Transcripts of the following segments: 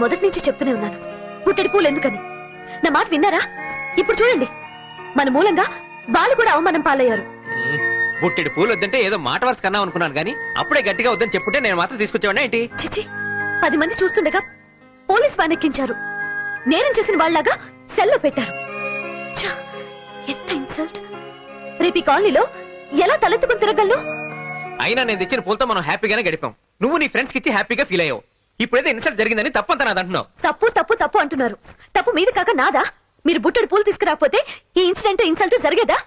మొదటి నుంచి చెప్తూనే ఉన్నాను, పుట్టెడు పూలు ఎందుకని. నా మాట విన్నారా? ఇప్పుడు చూడండి, మన మూలంగా వాళ్ళు కూడా అవమానం పాలయ్యారు. బుట్టెడు పూలు వద్దంటే ఏదో మాట వరుస కన్నా అనుకున్నాను కానీ అప్పుడే గట్టిగా వద్దని చెప్పుంటే నేను మాత్రం తీసుకొచ్చేవాడినా ఏంటి? చిచి, 10 మంది చూస్తుండగా పోలీస్ వ్యాన్ ఎక్కించారు. నేరం చేసిన వాళ్ళలాగా సెల్లో పెట్టారు. ఛ, ఎంత ఇన్సల్ట్. రేపు ఈ కాలనీలో ఎలా తలెత్తుకుని తిరగలను? అయినా నేను తెచ్చిన పూలతో మనం హ్యాపీగానే గడిపాం. నువ్వు నీ ఫ్రెండ్స్ కి ఇచ్చి హ్యాపీగా ఫీల్ అయ్యావు. ఇప్పుడైతే ఇన్సల్ట్ జరిగిందని తప్పంతా నాదంటున్నావు. తప్పు తప్పు తప్పు అంటున్నారు. తప్పు మీది కాక నాదా? మీరు బుట్టెడు పూలు తీసుకురాకపోతే ఈ ఇన్సిడెంట్ ఇన్సల్ట్ జరిగేదా?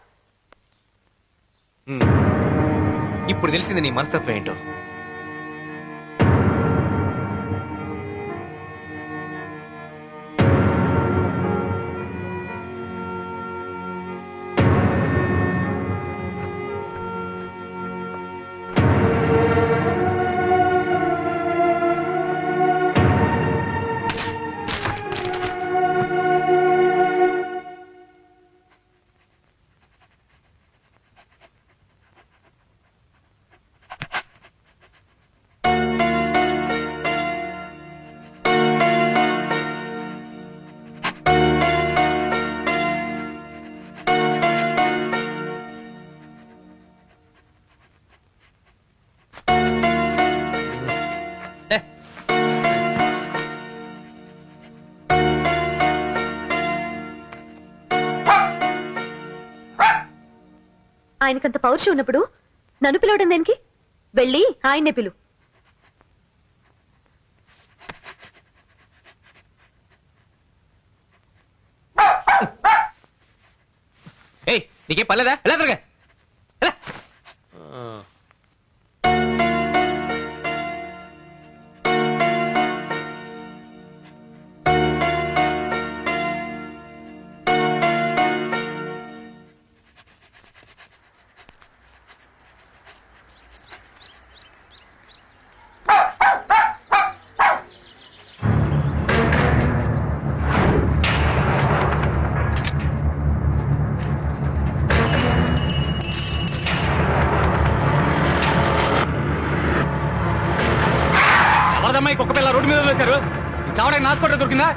ఇప్పుడు తెలిసింది నీ మనస్తత్వం ఏంటో. ఆయనకంత పౌరుషం ఉన్నప్పుడు నన్ను పిలవడం దేనికి? వెళ్ళి ఆయన్నే పిలు. ఏయ్, నీకేం పర్లేదా? ఎలా తిరగా? కుక్క పిల్ల రోడ్డు మీద వేశారు. చావడానికి నాసుకోట దొరికిందా?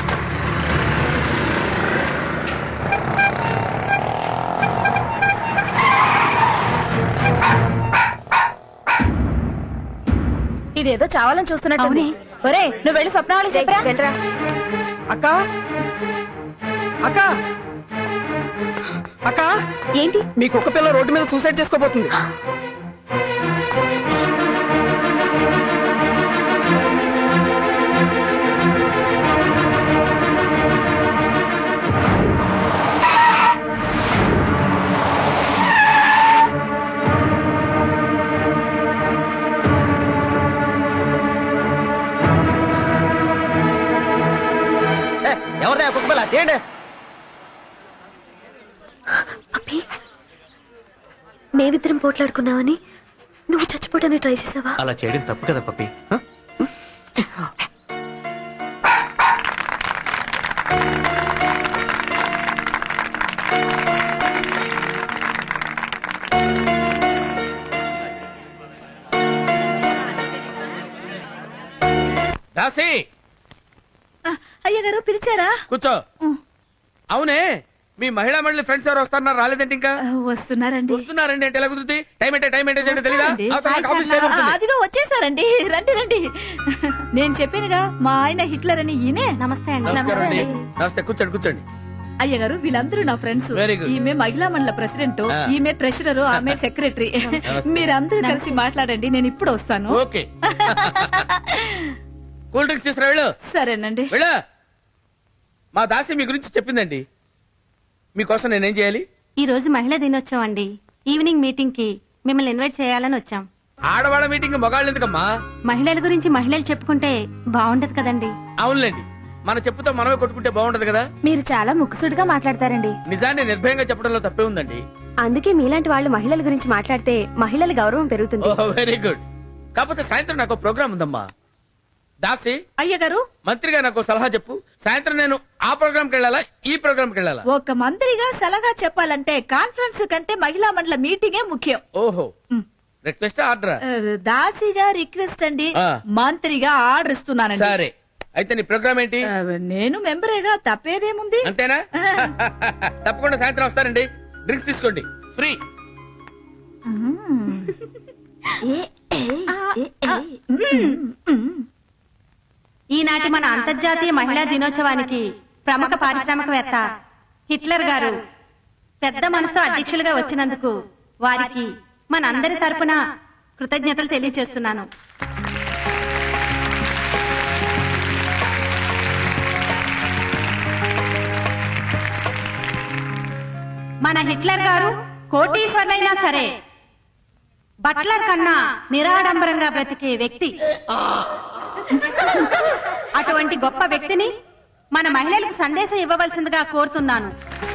ఇదేదో చావాలని చూస్తున్నట్టు. ఒరే, నువ్వు వెళ్ళి స్వప్నావళి చెప్పరా. వెళ్ళరా. అక్క అక్క అక్క, ఏంటి? మీ కుక్క పిల్ల రోడ్డు మీద సూసైడ్ చేసుకోబోతుంది. ఎవరిదా కుక్క పిల్ల? చేయండి. అబ్బి, మేమిద్దరం పోట్లాడుకున్నావని నువ్వు చచ్చిపోవడానికి ట్రై చేసావా? అలా చేయడం తప్పు కదా పప్పి. దాసి, అయ్యగారు పిలిచారా? కూర్చో. అవునే, మీ మహిళా మండలి ఫ్రెండ్స్ ఎవరు వస్తున్నారు? రాలేదంటే ఇంకా? వస్తున్నారండి. వస్తున్నారండి అంటే ఎలా కుదురుతుంది? టైం ఏంటో తెలీదా? అదిగో వచ్చేసారండి. రండి రండి. నేను చెప్పానుగా, మా ఆయన హిట్లర్ అని. ఈయనే. నమస్తే అండి. నమస్తే. కూర్చోండి కూర్చోండి. అయ్యగారు వీళ్ళందరూ నా ఫ్రెండ్స్. Very good. ఈమె మహిళా మండల ప్రెసిడెంట్, ఈమె ట్రెషరర్, ఆమె సెక్రటరీ. మీరందరూ కలిసి మాట్లాడండి, నేను ఇప్పుడు వస్తాను. ఓకే. కూల్ డ్రింక్స్ తీసుకురా వెళ్ళు. సరేనండి. వెళ్ళు. మా దాసి మీ గురించి చెప్పిందండి. మీకోసం నేనేం చేయాలి? ఈ రోజు మహిళా దినోత్సవం అండి. ఈవినింగ్ మీటింగ్ కి మిమ్మల్ని ఇన్వైట్ చేయాలని వచ్చాం. ఆడవాళ్ళ మీటింగ్ మగాళ్ళు ఎందుకమ్మా? మహిళల గురించి మహిళలు చెప్పుకుంటే బాగుంటది కదండి. అవునులేండి, మన చెప్పుతో మనమే కొట్టుకుంటే బాగుంటది కదా. మీరు చాలా ముక్కుసుడిగా మాట్లాడతారండి. నిజాన్ని నిర్భయంగా చెప్పడంలో తప్పే ఉందండి. అందుకే మీలాంటి వాళ్ళు మహిళల గురించి మాట్లాడితే మహిళల గౌరవం పెరుగుతుంది. Very good. కాకపోతే సాయంత్రం నాకు ప్రోగ్రామ్ ఉందమ్మా. దాసి, అయ్యగారు మంత్రిగా నాకు సలహా చెప్పు. సాయంత్రం నేను ఆ ప్రోగ్రామ్ కి వెళ్ళాలా, ఈ ప్రోగ్రామ్ కి వెళ్ళాలా? ఒక మంత్రిగా సలహా చెప్పాలంటే కాన్ఫరెన్స్ కంటే మహిళా మండల మీటింగే ముఖ్యం. ఓహో, రిక్వెస్ట్ ఆర్డర్? దాసిగా రిక్వెస్ట్ అండి, ఆ. మంత్రిగా ఆర్డర్ ఇస్తున్నానండి. సరే, అయితే నీ ప్రోగ్రామ్ ఏంటి? నేను మెంబరేగా తప్పేదేముంది. అంతేనా? తప్పకుండా సాయంత్రం వస్తానండి. డ్రింక్స్ తీసుకోండి, ఫ్రీ. ఈనాటి మన అంతర్జాతీయ మహిళా దినోత్సవానికి ప్రముఖ పారిశ్రామికవేత్త హిట్లర్ గారు పెద్ద మనసుతో అధ్యక్షులుగా వచ్చినందుకు వారికి మన అందరి తరపున కృతజ్ఞతలు తెలియజేస్తున్నాను. మన హిట్లర్ గారు కోటీశ్వరులైనా సరే బట్లర్ కన్నా నిరాడంబరంగా బ్రతికే వ్యక్తి. అటువంటి గొప్ప వ్యక్తిని మన మహిళలకు సందేశం ఇవ్వవలసిందిగా కోరుతున్నాను.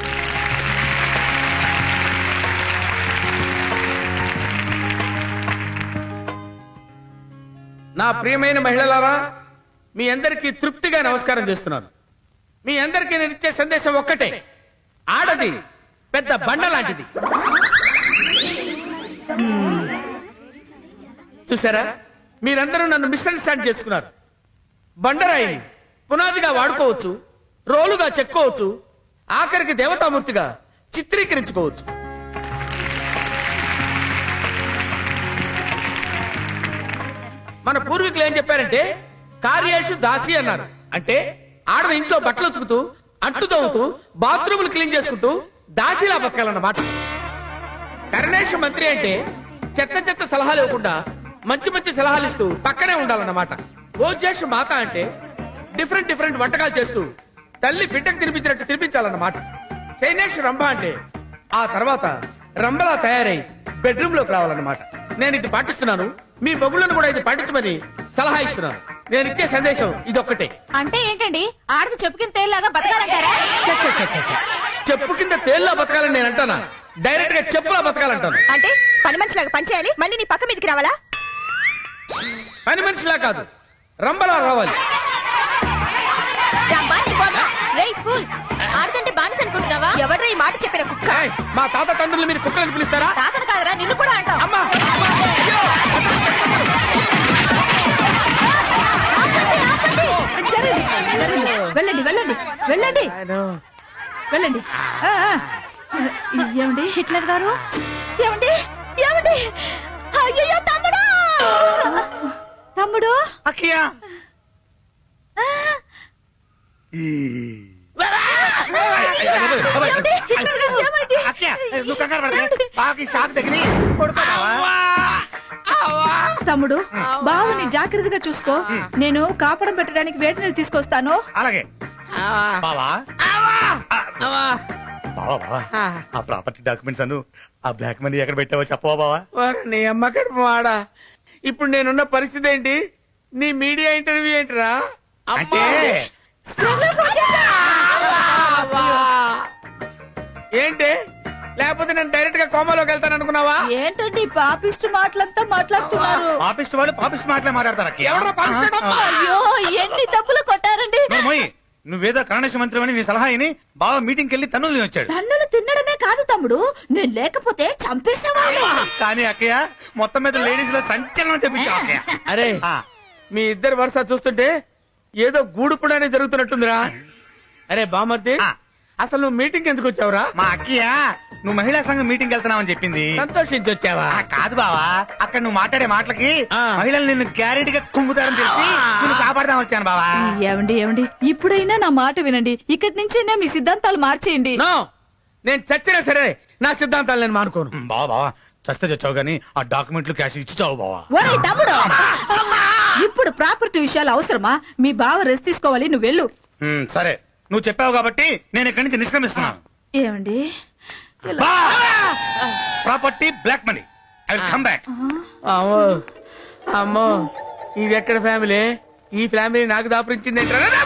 నా ప్రియమైన మహిళలారా, మీ అందరికీ తృప్తిగా నమస్కారం చేస్తున్నాను. మీ అందరికీ నేను ఇచ్చే సందేశం ఒక్కటే, ఆడది పెద్ద బండ లాంటిది. చూసారా, మీరందరూ నన్ను మిస్అండర్స్టాండ్ చేసుకున్నారు. బండరాయిని పునాదిగా వాడుకోవచ్చు, రోలుగా చెక్కోవచ్చు, ఆఖరికి దేవతామూర్తిగా చిత్రీకరించుకోవచ్చు. మన పూర్వీకులు ఏం చెప్పారంటే కార్యేషు దాసి అన్నారు. అంటే ఆడది ఇంట్లో బట్టలు ఉతుకుతూ, అంట్లు తవ్వుతూ, బాత్రూములు క్లీన్ చేసుకుంటూ దాసిలా బతకాలన్నమాట. కరుణేష్ మంత్రి అంటే చెత్త చెత్త సలహాలు ఇవ్వకుండా మంచి మంచి సలహాలు ఇస్తూ పక్కనే ఉండాలన్నమాట. భోజేష్ మాత అంటే డిఫరెంట్ డిఫరెంట్ వంటకాలు చేస్తూ తల్లి బిడ్డకు తినిపించినట్టు తినిపించాలన్నమాట. చైనేష్ రంభ అంటే ఆ తర్వాత రంభలా తయారై బెడ్రూమ్ లోకి రావాలన్నమాట. నేను ఇది పాటిస్తున్నాను, మీ బొగులను కూడా ఇది పాటించమని సలహా ఇస్తున్నాను. నేను ఇచ్చే సందేశం ఇదొక్కటే. అంటే ఏంటండి, ఆడది చెప్పు కింద తేలిలాగా బతకాలంటారా? చెప్పు కింద తేల్లా బతకాలని నేను అంటానా? డైరెక్ట్ గా చెప్పులా బతకాలంటాను. అంటే పని మనిషిలాగా పనిచేయాలి, మళ్ళీ నీ పక్క మీదకి రావాలా? పని మనిషిలా కాదు, రంబలా రావాలి. ఆడదంటే బానిస అనుకుంటున్నావా? ఎవరు ఈ మాట చెప్పిన కుక్క? ఏయ్, మా తాత తండ్రులు మీరు కుక్కలని పిలుస్తారా? తాతను కాదరా, నిన్ను కూడా అంటావు. అమ్మా, అమ్మా, అయ్యో! వెళ్ళండి వెళ్ళండి వెళ్ళండి వెళ్ళండి. ఏమండి హిట్లర్ గారు? ఏమండి ఏమండి? అయ్యో తమ్ముడు, తమ్ముడు అక్కయ్య, తమ్ముడు, బావుని జాగ్రత్తగా చూసుకో. నేను కాపడం పెట్టడానికి వేడి నీళ్ళు తీసుకొస్తాను. అలాగే బావా బావా ఆ ప్రాపర్టీ డాక్యుమెంట్స్ అను ఆ బ్లాక్ మనీ ఎక్కడ పెట్టావో చెప్పవా బావా? నీ అమ్మ కడుపు వాడా. ఇప్పుడు నేనున్న పరిస్థితి ఏంటి? నీ మీడియా ఇంటర్వ్యూ ఏంటిరా? అంటే ఏంటి? లేకపోతే నేను డైరెక్ట్ గా కోమాలోకి వెళ్తాను అనుకున్నావా? ఏంటండి పాపిష్టి మాటలంతా మాట్లాడుతున్నారు? పాపిస్ట్ వాళ్ళు పాపిస్ట్ మాటలే మాట్లాడతారు. ఎవడో పాపిస్తాడమ్మా? అయ్యో ఎన్ని డబ్బులు కొట్టారండి. నువ్వేదో కరుణేశ్ మంత్రి అని నీ సలహా అయిని బావ మీటింగ్ కెళ్లి తన్నులు వచ్చాడు. తన్నులు తినడమే కాదు తమ్ముడు, నేను లేకపోతే చంపేసేవాడు. కానీ అక్కయ్య మొత్తం మీద లేడీస్ లో సంచలనం తెప్పించావు అక్కయ్య. అరే, మీ ఇద్దరు వరుస చూస్తుంటే ఏదో గూడుపుడనే జరుగుతున్నట్టుందిరా. అరే బామర్ది, అసలు నువ్వు మీటింగ్ ఎందుకు వచ్చావురా? మా అక్కయ్య నువ్వు మహిళా సంఘం మీటింగ్ వెళ్తున్నావని చెప్పింది. సంతోషించి వచ్చావా? కాదు బావా, అక్కడ నువ్వు మాట్లాడే మాటలకి ఆ. మహిళలు నిన్ను గ్యారెంటీగా కుమ్ముతారని తెలిసి నిన్ను కాపాడదాం వచ్చాను బావా. ఏమండి ఏమండి, ఇప్పుడైనా నా మాట వినండి. ఇక్కడి నుంచైనా మీ సిద్ధాంతాలు మార్చేయండి. నో, నేను చచ్చినా సరే నా సిద్ధాంతాలు నేను మానుకోను. బావా బావా చస్తే చచ్చావు గానీ ఆ డాక్యుమెంట్లు క్యాష్ ఇచ్చి చావు బావా. ఒరేయ్ తమ్ముడు, ఇప్పుడు ప్రాపర్టీ విషయాలు అవసరమా? మీ బావ రెస్ట్ తీసుకోవాలి, నువ్వు వెళ్ళు. సరే, నువ్వు చెప్పావు కాబట్టి నేను ఇక్కడి నుంచి నిష్క్రమిస్తున్నాను. ఏమండి property black money I will come back. అమ్మో అమ్మో, ఇది ఎక్కడ ఫ్యామిలీ? ఈ ఫ్యామిలీ నాకు దాపరించింది ఏంట్రా?